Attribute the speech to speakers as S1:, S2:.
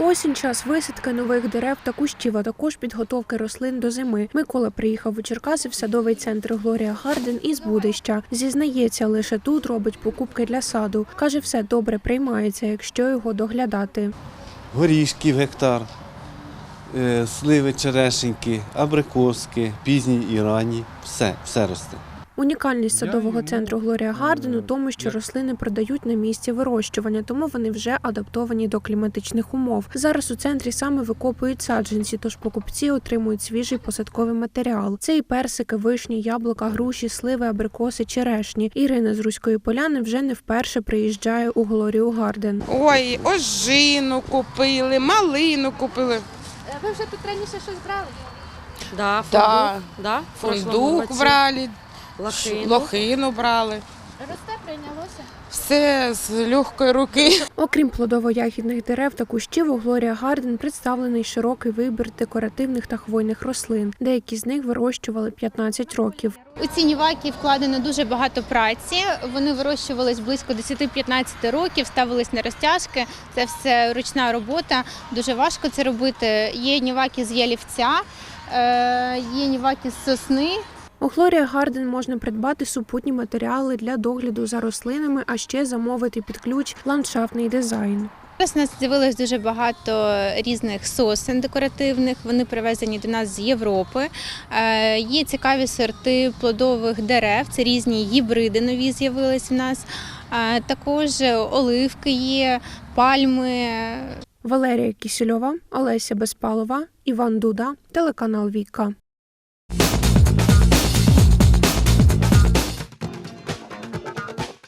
S1: Осінь – час висадки нових дерев та кущів, а також підготовки рослин до зими. Микола приїхав у Черкаси в садовий центр «Глорія Гарден» із Будища. Зізнається, лише тут робить покупки для саду. Каже, все добре приймається, якщо його доглядати.
S2: Горішків гектар, сливи, черешеньки, абрикоски, пізні і ранні. Все росте.
S1: Унікальність садового центру «Глорія Гарден» у тому, що рослини продають на місці вирощування, тому вони вже адаптовані до кліматичних умов. Зараз у центрі саме викопують саджанці, тож покупці отримують свіжий посадковий матеріал. Це і персики, вишні, яблука, груші, сливи, абрикоси, черешні. Ірина з Руської Поляни вже не вперше приїжджає у «Глорію Гарден».
S3: Ой, ожину купили, малину купили.
S4: Ви вже тут раніше щось брали?
S3: Фундук брали, лохину брали.
S4: Росте, прийнялося?
S3: Все з легкої руки.
S1: Окрім плодово-ягідних дерев та кущів, у «Глорія Гарден» представлений широкий вибір декоративних та хвойних рослин. Деякі з них вирощували 15 років.
S4: У ці ніваки вкладено дуже багато праці. Вони вирощувались близько 10-15 років, ставились на розтяжки. Це все ручна робота, дуже важко це робити. Є ніваки з ялівця, є ніваки з сосни.
S1: У «Глорія Гарден» можна придбати супутні матеріали для догляду за рослинами, а ще замовити під ключ ландшафтний дизайн.
S4: Зараз у нас з'явилось дуже багато різних сосен декоративних, вони привезені до нас з Європи. Є цікаві сорти плодових дерев, це різні гібриди нові з'явились в нас. Також оливки є, пальми.
S1: Валерія Кісельова, Олеся Безпалова, Іван Дуда, телеканал «Віка».